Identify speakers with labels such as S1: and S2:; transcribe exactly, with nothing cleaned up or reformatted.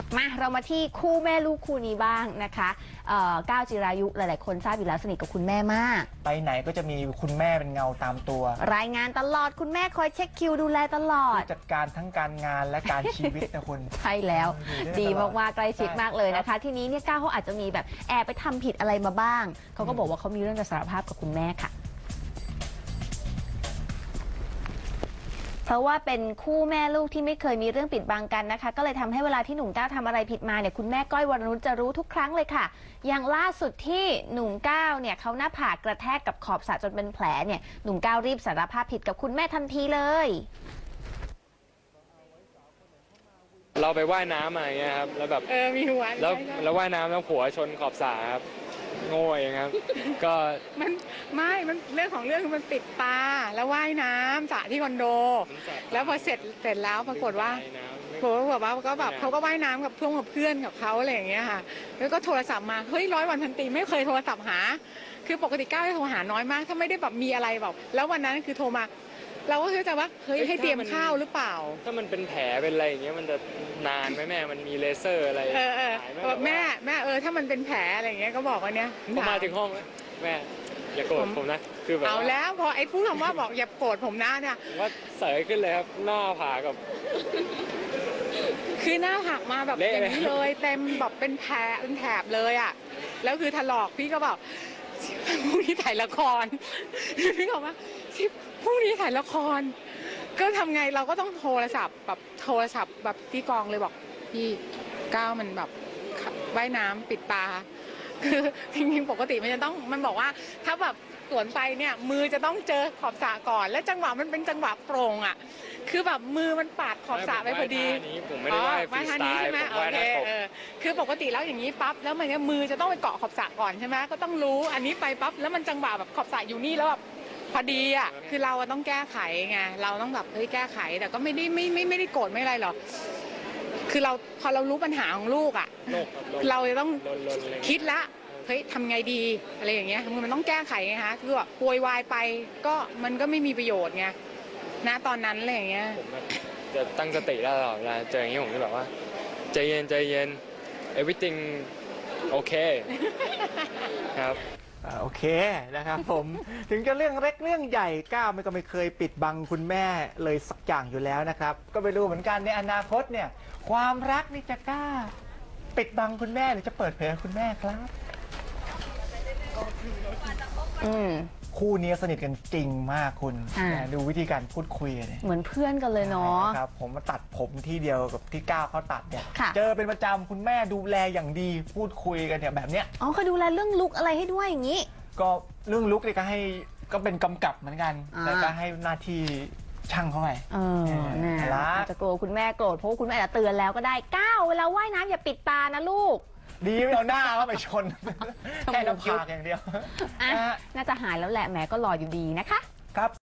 S1: มาเรามาที่คู่แม่ลูกคู่นี้บ้างนะคะก้าวจิรายุหลายๆคนทราบอยู่แล้วสนิทกับคุณแม่มาก
S2: ไปไหนก็จะมีคุณแม่เป็นเงาตามตัว
S1: รายงานตลอดคุณแม่คอยเช็คคิวดูแลตลอด
S2: จัดการทั้งการงานและการชีวิตนะคุณ
S1: ใช่แล้วดีมากๆใกล้ชิดมากเลยนะคะทีนี้เนี่ยก้าวเขาอาจจะมีแบบแอบไปทำผิดอะไรมาบ้างเขาก็บอกว่าเขามีเรื่องจะสารภาพกับคุณแม่ค่ะเพราะว่าเป็นคู่แม่ลูกที่ไม่เคยมีเรื่องปิดบังกันนะคะก็เลยทำให้เวลาที่หนุ่มก้าวทำอะไรผิดมาเนี่ยคุณแม่ก้อยวรนุชจะรู้ทุกครั้งเลยค่ะอย่างล่าสุดที่หนุ่มก้าวเนี่ยเขาหน้าผากกระแทกกับขอบสระจนเป็นแผลเนี่ยหนุ่มก้าวรีบสารภาพผิดกับคุณแม่ทันทีเลย
S3: เราไปว่ายน้ำอะไรเงี้ยครับแล้วแบบ
S4: เออมีหัว
S3: แล้วแล้วว่ายน้ำแล้วหัวชนขอบสระครับโง่เองครับก็
S4: มันไม่มันเรื่องของเรื่องคือมันปิดตาแล้วว่ายน้ำสระที่คอนโดแล้วพอเสร็จเสร็จแล้วปรากฏว่าผมก็แบบว่าก็แบบเขาก็ว่ายน้ำกับเพื่อนกับเพื่อนกับเขาอะไรอย่างเงี้ยค่ะแล้วก็โทรศัพท์มาเฮ้ยร้อยวันพันปีไม่เคยโทรศัพท์หาคือปกติก้าวจะโทรหาน้อยมากถ้าไม่ได้แบบมีอะไรแบบแล้ววันนั้นคือโทรมาเราก็คือจะว่าเฮ้ยให้เตรียมข้าวหรือเปล่า
S3: ถ้ามันเป็นแผลเป็นอะไรอย่างเงี้ยมันจะนานไหมแม่มันมีเลเซอร์อะไร
S4: เออเออแม่แม่เออถ้ามันเป็นแผลอะไรอย่างเงี้ยก็บอกว่าเนี้ย
S3: พอมาถึงห้องแม่อย่าโกรธผมนะคือแบบ
S4: เอาแล้วพอไอ้พูดคำว่าบอกอย่าโกรธผมนะเนี่ย
S3: ว่าเสยขึ้นเลยครับหน้าผากกับ
S4: คือหน้าหักมาแบบอย่างนี้เลยเต็มแบบเป็นแผลเป็นแถบเลยอ่ะแล้วคือถลอกพี่ก็บอกพรุ่งนี้ถ่ายละครพี่บอกว่าพรุ่งนี้ถ่ายละครก็ทำไงเราก็ต้องโทรศัพท์แบบโทรศัพท์แบบที่กองเลยบอกพี่ก้าวมันแบบว่ายน้ำปิดตาคือจริงๆปกติมันจะต้องมันบอกว่าถ้าแบบสวนไปเนี่ยมือจะต้องเจอขอบสระก่อนและจังหวะมันเป็นจังหวะโปร่งอ่ะคือแบบมือมันปาดขอบสระไปพอดี
S3: ผมไม่ได้ว่ายฟรีสไตล์ผมว่ายน้ำตก
S4: คือปกติแล้วอย่างนี้ปั๊บแล้วมันมือจะต้องไปเกาะขอบสระก่อนใช่ไหมก็ต้องรู้อันนี้ไปปั๊บแล้วมันจังหวะแบบขอบสระอยู่นี่แล้วแบบพอดีอ่ะคือเราต้องแก้ไขไงเราต้องแบบเฮ้ยแก้ไขแต่ก็ไม่ได้ไม่ไม่ไม่ได้โกรธไม่อะไรหรอกคือเราพอเรารู้ปัญหาของลูกอ่ะเราจะต้องคิดละเฮ้ยทำไงดีอะไรอย่างเงี้ยมันต้องแก้ไขไงฮะคือแบบโวยวายไปก็มันก็ไม่มีประโยชน์ไงณตอนนั้นอะไรอย่างเงี้ย
S3: ผมจะตั้งสติได้ตลอดเวลาเจออย่างนี้ผมจะแบบว่าใจเย็นใจเย็น everything โอเคครับ
S2: โอเคนะครับผมถึงจะเรื่องเล็กเรื่องใหญ่ก้าวมันก็ไม่เคยปิดบังคุณแม่เลยสักอย่างอยู่แล้วนะครับก็ไปดูเหมือนกันในอนาคตเนี่ยความรักนี่จะกล้าปิดบังคุณแม่หรือจะเปิดเผยคุณแม่ครับ
S1: อืม
S2: คู่นี้สนิทกันจริงมากคุณดูวิธีการพูดคุยเนี่ย
S1: เหมือนเพื่อนกันเลยเนาะ
S2: ครับผมมาตัดผมที่เดียวกับที่ก้าวเขาตัดเนี่ยเจอเป็นประจำคุณแม่ดูแลอย่างดีพูดคุยกันเนี่ยแบบเนี้ย
S1: อ๋อเขาดูแลเรื่องลุกอะไรให้ด้วยอย่างนี้
S2: ก็เรื่องลุกเนี่ยก็ให้ก็เป็นกำกับเหมือนกันแต่ก็ให้หน้าที่ช่างเขาไป
S1: เออน่าจะกลัวคุณแม่โกรธเพราะคุณแม่อาจจะเตือนแล้วก็ได้ก้าวเวลาว่ายน้ำอย่าปิดตานะลูก
S2: ดีไม่เอาหน้าเข้าไปชนแค่น้ำผากอย่างเดียว
S1: น่าจะหายแล้วแหละแหมก็รออยู่ดีนะคะ
S2: ครับ